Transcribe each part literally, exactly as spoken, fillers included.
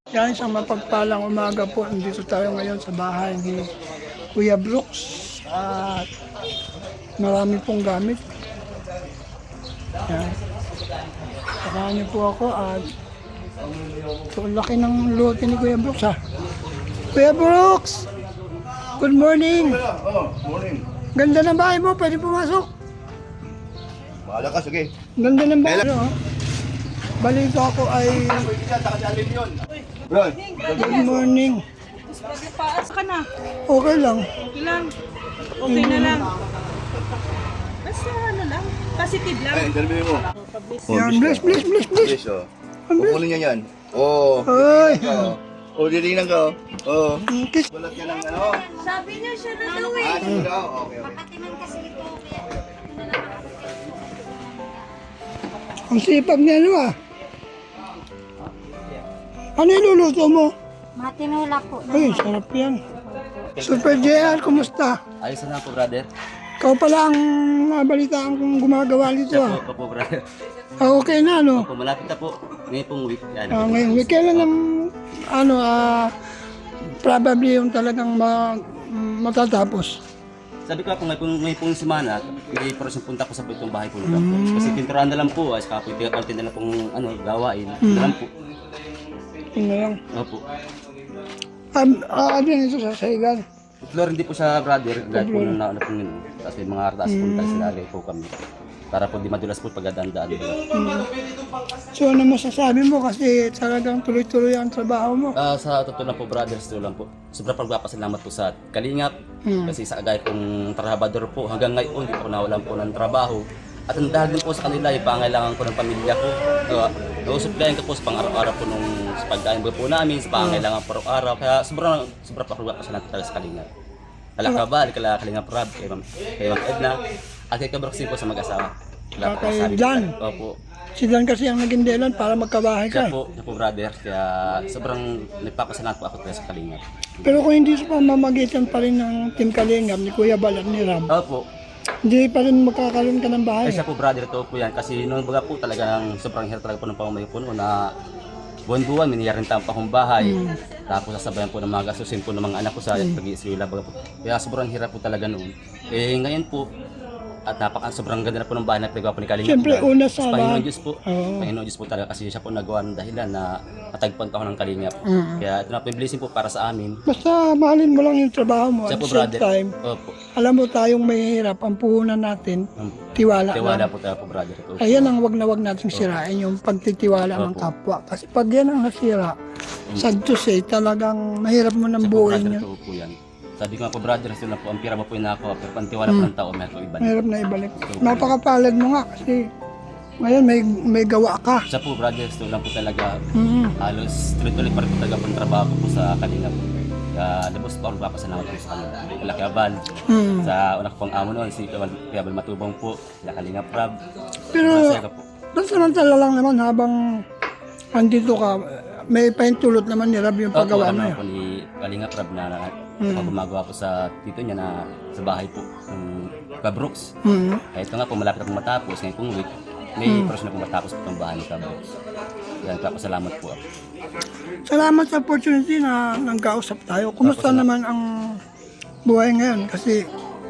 Yan, isang mapagpalang umaga po. Nandito tayo ngayon sa bahay ni Kuya Brooks. At marami pong gamit. Yan. Sakahan niyo po ako at so, laki ng lote ni Kuya Brooks ha. Kuya Brooks! Good morning! Oh, morning. Ganda ng bahay mo, pwede pumasok. Bahala ka, sige. Ganda ng bahay mo. Balito ako ay Bro, good morning. Paas ka na. Okay lang. Okay lang. Okay na lang. Basta ano lang. Positive lang. eh, interview mo. Oh, Yan, bless, bless, bless, bless. Yes, oh. Kukunin niya yan. Oh. Ay. Oh. Oh, dilingan ka, oh. Oh. Kiss. Balat yan ng ano. Sabi niya siya na daw eh. Ah, sige daw. Okay, okay. Makatiman kasi ito. Kaya Ang sipag niya ano ah. Ano iluluto mo? matinula po. Ay, sarap yan. Super J R, kumusta? Ayos na po, brother. Ikaw pala ang nabalitaan kong gumagawa nito Siya ah. po, po, brother. Ah, okay na ano? Po, malapit na po. Ngayon pong week. Yan. Ah, ngayon, week, kailan ang ano ah, probably yung talagang ma, matatapos. Sabi ko po, may pong, may pong semana, hindi pa rin punta ko sa itong bahay po nila. Kasi pinturahan na lang po, as kapoy, tigapantin na lang pong ano, gawain. Hmm. Na lang po. Yun na lang. Opo. Um, ah, ano yun ito sa saigan? Floor hindi po siya, brother. Dahil po nung nauna po yun. Tapos may mga artaas po tayo sinali po kami. Para po di madulas po pagdadaan-daan. So ano masasabi mo kasi talagang tuloy-tuloy ang trabaho mo? Ah, sa totoo lang po, brothers, ito lang po. Sobrang pagpapasalamat po sa Kalingap. Hmm. Kasi sa agay pong trabador po, hanggang ngayon, hindi po nawalan po ng trabaho. At ang dahil din po sa kanila, yung pangailangan ko ng pamilya ko. Uh, Nausuplayan ko po sa pang-araw-araw po nung sa pagkain po namin, sa pangailangan po araw-araw. Kaya sobrang, sobrang pagpapasalamat talaga sa Kalingap. Kalakabal, kala Kalingap Rab, kay Ma'am kay Ma'am Edna, at kay Kabroxy po sa mag-asawa. Wala po Kay masabi. Dan. Opo. Si Dan kasi ang naging dahilan para magkabahay ka. Siya po, siya po brother, kaya sobrang nagpapasalamat po ako talaga sa Kalingap. Pero kung hindi sa pamamagitan pa rin ng Team Kalingap ni Kuya Bal at ni Ram, Opo. hindi pa rin magkakaroon ka ng bahay. Ay siya po brother, ito po yan. Kasi noong baga po talagang sobrang hirap talaga po ng pamamayo po noon na buwan-buwan, miniyarin tayo pa akong bahay. Tapos sasabayan po ng mga gastusin po ng mga anak ko sa mm. pag-iisrila. Baga po. Kaya sobrang hirap po talaga noon. Eh ngayon po, at napaka sobrang ganda na po ng bahay na pinagawa po ni Kalingap. Siyempre, una sa Panginoon lahat. Diyos po. Oo. Panginoon Diyos po talaga kasi siya po nagawa ng dahilan na matagpuan pa ako ng Kalingap. Mm. Kaya ito na po yung blessing po para sa amin. Basta mahalin mo lang yung trabaho mo. Siya At po the same brother. time, Opo. alam mo tayong mahihirap, ang puhunan natin, Um, tiwala, Tiwala lang. po tayo po brother. Opo. Ayan ang wag na wag nating sirain, yung pagtitiwala ng Opo. kapwa. Kasi pag yan ang nasira, sad to say, talagang mahirap mo ng Siya po buuin brother, yun. ito po yan. Sabi ko nga po brother, ito na po, ang pira mo po yung nako, pero pantiwala po ng tao, may ito ibalik. Mahirap na ibalik. Napakapalad mo nga kasi ngayon may may gawa ka. Siya po brother, ito lang po talaga, Mm. halos tuloy-tuloy pa rin po talaga po ang trabaho ko po sa Kalingap. Kaya labos po ako nagpapasalamat po sa kanila. Kala Kiabal, Mm. sa una ko pong amo noon, si Kiabal, Kiabal Matubang po, kala Kalingap Rab. Pero Masaya ka po. samantala lang naman habang andito ka, may paintulot naman ni Rab yung Opo, paggawa alam mo. naman po ni Kalingap Rab na, na Mm. ako gumagawa po sa tito niya na sa bahay po, ng Kabrooks. Mm. Kaya ito nga po, malapit akong matapos. Ngayon pong week, may oras na akong matapos po itong bahay ni Kabrooks. Kaya nagpapasalamat po ako. Salamat sa opportunity na nangkausap tayo. Kumusta naman ang buhay ngayon? Kasi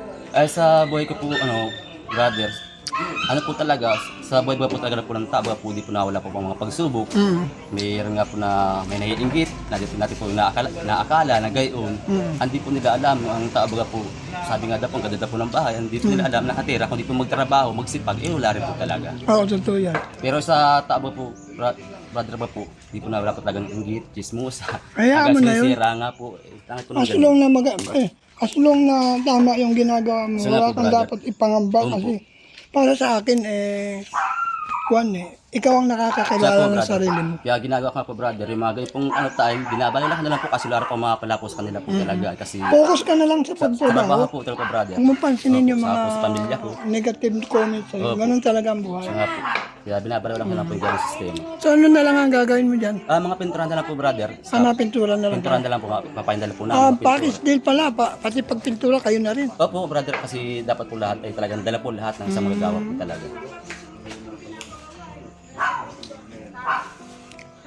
Ay sa buhay ko po, ano, brothers, ano po talaga, sa buhay po talaga po ng tao, po di po nawala po ang mga pagsubok. mm, Mayroon nga po na may naiinggit, na dito natin po naakala, naakala na gayon. Mm. Hindi po nila alam, ang tao baga po, sabi nga daw po, ang ganda po ng bahay, hindi po nila alam, nakatira, kung di po magtrabaho, magsipag, eh wala rin po talaga. oo, totoo yan. Pero sa tao ba po, bra- brother ba po, di po nawala po talagang inggit, chismosa. Hayaan mo na yun. Sinisira nga po, eh, tangit po ng As ganun. long na mag eh, as long na tama yung ginagawa mo, Sige wala po, kang brother. dapat ipangamba Opo. kasi para sa akin eh kuwan eh, ikaw ang Siya nakakakilala po, ng brother. sarili mo. Kaya ginagawa ko nga po, brother, yung mga ganyan pong ano time, binabalala ko na lang po kasi wala pa mga palapos kanila po talaga. Kasi Focus ka na lang sa sa trabaho pagtrabaho. po talaga, brother. Huwag mo pansinin yung Opo, mga sa- sa pamilya ko. negative comments sa'yo. Opo. Ganun talaga ang buhay. Siya nga po. Kaya binabalala ko na lang po yung ganyan sistema. So ano na lang ang gagawin mo dyan? Ah, mga pinturahan na lang po, brother. Sa Hanapin tura na lang. Pinturahan na lang po, papahindala po namin. Ah, mga pintura. package deal pala, pa, pati pagpintura kayo na rin. Opo, brother, kasi dapat po lahat ay talagang dala po lahat ng isang magagawa po talaga.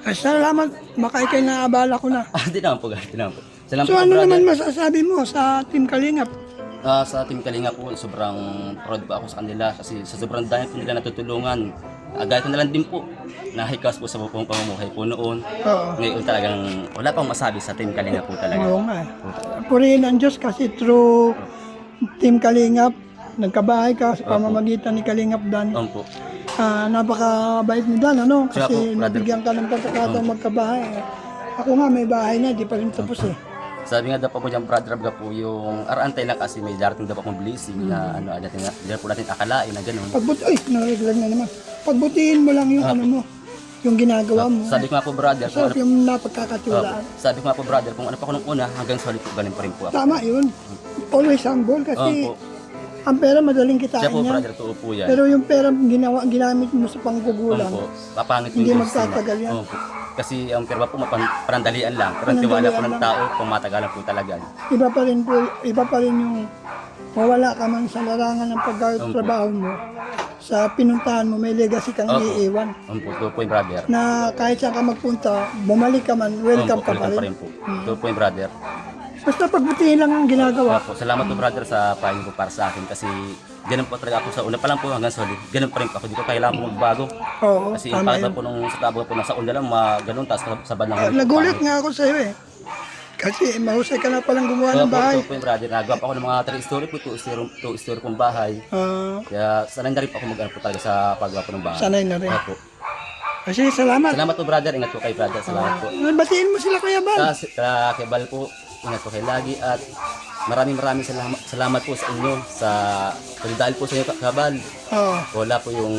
Ay, salamat. Makay kay naabala ko na. Ah, di naman po, guys. Di naman po. Salamat So po, ano brother. naman masasabi mo sa Team Kalingap? Ah, sa Team Kalinga po, sobrang proud po ako sa kanila kasi sa sobrang dami po nila natutulungan. Uh, gaya ko na lang din po, nahikas po sa buong pamumuhay po noon. Oo. Ngayon talagang wala pang masabi sa Team Kalinga po talaga. Oo nga. eh. Purihin ang Diyos kasi through Team Kalingap, nagkabahay ka sa pamamagitan ni Kalingap Dan. Opo po. Ah, napakabait ni Dan, ano? Siya po, Kasi brother. nabigyan ka ng pagkakataong magkabahay. Ako nga, may bahay na, di pa rin tapos eh. Sabi nga daw po po dyan, brother Abga po, yung arantay lang kasi may darating daw po akong blessing na ano, natin, hindi po natin akalain na gano'n. Pagbuti, ay, nariglag na naman. Pagbutihin mo lang yung ano mo, yung ginagawa mo. Sabi ko nga po, brother, kung So, ano, yung Opo. napagkakatiwalaan. sabi ko nga po, brother, kung ano pa ako nung una, hanggang solid po, galing pa rin po ako. Tama yun. Always humble kasi Opo. ang pera madaling Siya kitain po, niya. brother, totoo po yan. Pero yung pera ginawa, ginamit mo sa panggugulang, Opo, papangit Hindi yung magtatagal yan. Opo. Kasi ang perba po mapan- panandalian lang. Pero ang tiwala po ng Panandalian tao, pumatagalan po talaga. iba pa rin po, iba pa rin yung mawala ka man sa larangan ng pagkatrabaho mo, sa pinuntahan mo, may legacy kang Opo. iiwan. Opo, ito po yung brother. Na kahit saan ka magpunta, bumalik ka man, welcome Opo, ka pa welcome rin. po. Ito po yung brother. Basta pagbutihin lang ang ginagawa. Opo, salamat po brother sa payo po para sa akin kasi ganun po talaga ako sa una pa lang po hanggang solid. Ganun pa rin po ako. Di ko kailangan po magbago. Oo, Kasi yung tama pagba yun. po nung sa tabo po nasa una lang, mga ganun, taas sa bandang Ah, Nagulat nga ako sa'yo eh. Kasi mahusay ka na palang gumawa ng Opo, bahay. ito po yung brother. Nagawa pa ako ng mga three story po, two story, two story pong bahay. Ah, Kaya sanay na rin po ako mag-ano po talaga sa paggawa po ng bahay. sanay na rin. Opo. Kasi salamat. Salamat po brother, ingat po kay brother. Salamat po. Batiin mo sila Kuya Bal. Sa, sa kay Bal po, ingat po kayo lagi at maraming maraming salamat, salamat po sa inyo sa dahil po sa inyo Kabal. Oo. Wala po yung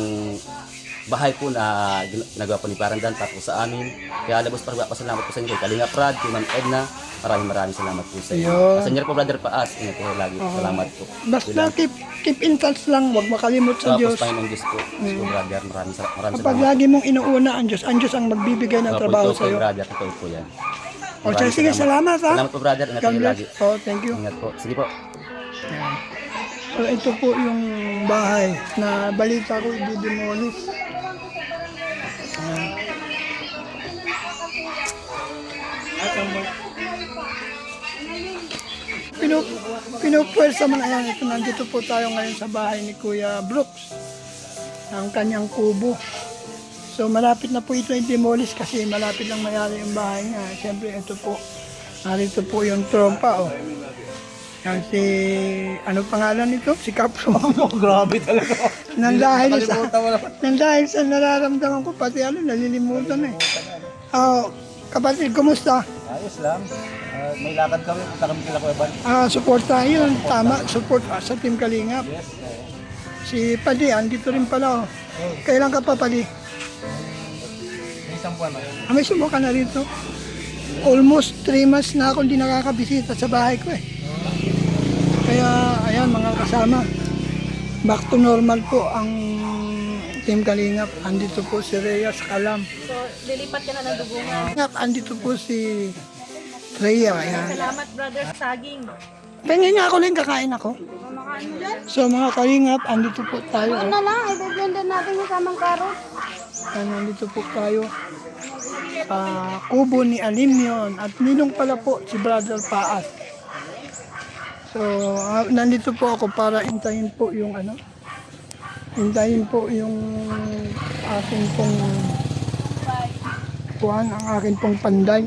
bahay po na gin- nagawa po ni Parandan tapos sa amin. Kaya labos pa salamat po sa inyo kay Kalinga Prad, kay Ma'am Edna. Maraming maraming salamat po sa inyo. Ayun. Sa inyo po brother Paas, ingat po kayo lagi. Salamat po. Basta keep, keep in touch lang, huwag makalimot sa Tapos Diyos. Panginoon Diyos po. So, brother, maraming, sal- maraming Kapag salamat. lagi mong inuuna ang Diyos, ang Diyos ang magbibigay ng Opo, trabaho ito po, sa'yo. brother, totoo po yan. O Maraming sige, salamat ha. Salamat po brother, ingat God kayo bless. lagi. Oh, thank you. Ingat po. Sige po. So, ito po yung bahay na balita ko i-demolish. Ayan. Pinu pinupwersa man ayan. Ito, nandito po tayo ngayon sa bahay ni Kuya Brooks. Ang kanyang kubo. So malapit na po ito i-demolish kasi malapit lang mayari yung bahay niya. Siyempre ito po. Narito po yung trompa oh. Yan si, ano pangalan nito? Si Capro. Grabe talaga. Nang dahil sa, nang dahil sa nararamdaman ko, pati ano, nalilimutan na eh. Ah, kapatid, kumusta? Ayos lang. Ah, may lakad kami, punta kami kila Kuya Bal. Ah, support tayo yun. Tama, support ah, sa Team Kalingap. Si Padi, andito rin pala oh. Kailan ka pa, Padi? May isang buwan. Ah, may sumuka na rito. Almost three months na ako hindi nakakabisita sa bahay ko eh. Kaya, ayan mga kasama, back to normal po ang Team Kalingap. Andito po si Rhea sa Kalam. So, lilipat ka na ng dugungan. Kalingap, andito po si Rhea. Ayan. Salamat, brother, saging. Tingin nga ako lang, kakain ako. Kumakain mo dyan? So mga Kalingap, andito po tayo. Ano na lang, i-blender natin yung samang karot. Ayan, andito po tayo. Ah, kubo ni Alimyon at ninong pala po si Brother Paas. So, ah, nandito po ako para intayin po yung ano, intayin po yung aking pong kuhan, ang aking pong panday.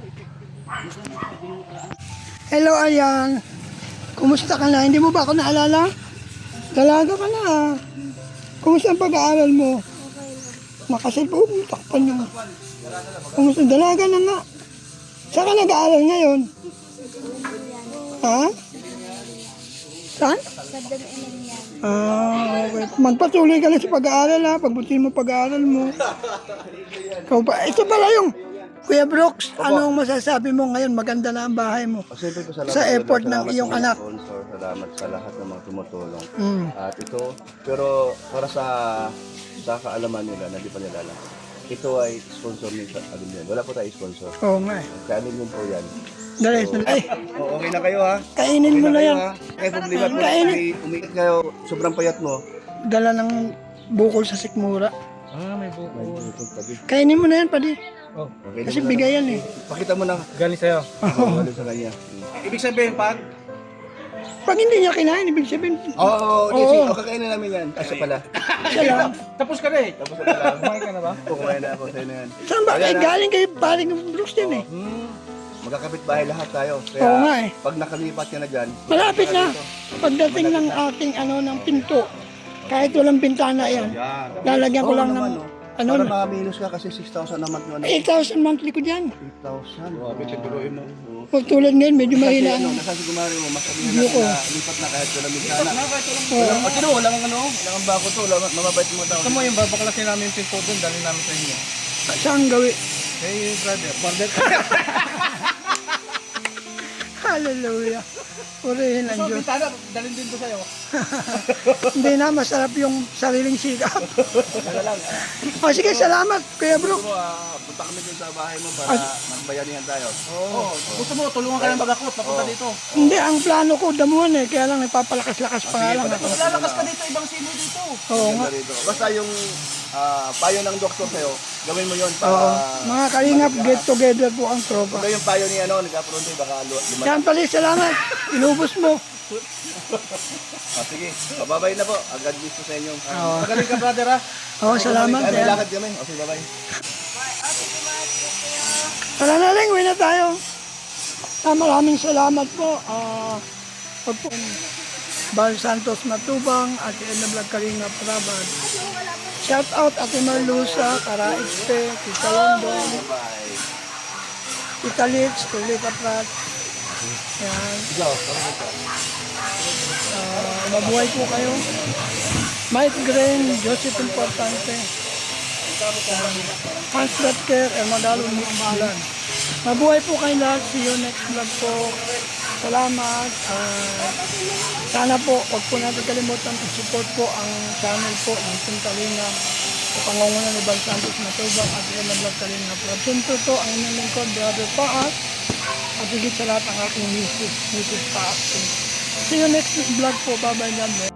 Hello, ayan. Kumusta ka na? Hindi mo ba ako naalala? Dalaga ka na. Kumusta ang pag-aaral mo? Makasil po, takpan nyo. Kumusta? Dalaga na nga. Saan ka nag-aaral ngayon? Ha? Saan? Sa dami yan. Ah, okay. Magpatuloy ka lang sa pag-aaral ha. Pagbutihin mo pag-aaral mo. Ikaw pa. Ito pala yung Kuya Brooks. Anong masasabi mo ngayon? Maganda na ang bahay mo. Siyempre po salamat Sa effort salamat ng iyong sa mga anak. Sponsor, salamat sa lahat ng mga tumutulong. Mm. At ito, pero para sa sa kaalaman nila na di pa nila alam, ito ay sponsor ni Alimyon. Wala po tayo sponsor. Oo nga eh. Kaya Alimyon po yan. Dali, dali. Ay, Oh, okay na kayo ha? kainin mo na yan. Kaya problema po, Kainin. umi- umiit kayo, sobrang payat mo. Dala ng bukol sa sikmura. Ah, may buko. May buko tabi. Kainin mo na yan, padi. Oh. Okay, Kasi bigay yan eh. Pakita mo na. Galing sa'yo. Oo, ano sa kanya. Ibig sabihin, pag Pag hindi niya kinain, ibig sabihin, Oo, oh, oh, Oo. oh, kakainin namin yan. Kasi pala. siya lang. tapos ka na eh. Tapos na pala. Kumain ka na ba? Oo, kumain na ako sa'yo na yan. Saan ba? Ayan Eh, na. galing kay paring Brooks din eh. Hmm. Magkakapit bahay lahat tayo. Kaya Oo nga eh. pag nakalipat ka na dyan, Malapit na. Pagdating ng ating ano ng pinto, kahit walang bintana yan, yan. lalagyan ko Oo lang naman, ng oh. ano Para na, makaminus ka kasi six thousand naman yun. eight thousand monthly ko dyan. eight thousand. Grabe, siguruhin mo. Huwag tulad ngayon, medyo Kasi mahina ano, ang nasa sigumari mo, mas sabihin Yuko. natin na lipat na kahit walang bintana. Oo. Walang, oh, sino, walang ano, walang ang bako to, walang, mababait mo tao. Gusto mo yung babaklasin namin yung pinto doon, dali namin sa inyo. saan gawi. Hey, brother, brother. Hallelujah. Purihin ang So, Diyos. bintana, dalhin din to sa'yo. Hindi na, masarap yung sariling sikap. O sige, salamat, Kuya Brooks. Siguro, ah, punta kami dun sa bahay mo para Ah. magbayanihan tayo. Oo. Gusto mo, tulungan ka ng bagakot, papunta Oo. dito. Hindi, ang plano ko, damuhan eh, kaya lang nagpapalakas-lakas pa nga lang ako. Lalakas ka dito, ibang sino dito. Oo nga. Ganda rito. Basta yung ah, payo ng doktor sa'yo, gawin mo yun para... Oo. Mga kalingap, get together po ang tropa. Kung yung payo ni ano, nag-apronte, baka lu- lumaki. Yan pala, salamat. Inubos mo. Ah, sige, babay na po. Agad gusto sa inyo. Oo. Magaling ka, brother, ha? Oo, salamat. Ay, may Yan. lakad kami. Okay, bye-bye. Tara na lang, uwi na tayo. Ah, maraming salamat po. Ah, pag po, Bal Santos Matubang, Ate Edna Vlog Kalinga Prabad. Shout out Ate Marlusa, Kara Expe, Tita London, Bye. Tita Litz, Tulita Prat. Yan. Ah, mabuhay po kayo. Mike Green, Joseph Importante. Hans Rutger, Ermadalo Mukbalan. Mabuhay po kayo lahat. See you next vlog po. Salamat. Ah, sana po, huwag po natin kalimutan i-support po ang channel po ng Team Kalinga sa pangunguna ni Bal Santos Matubang at Ella Vlog Kalinga. Siyempre po ang inyong lingkod, Brother Paas, at higit sa lahat ang aking misis, misis Paas. See you next vlog po. Bye-bye. God bless.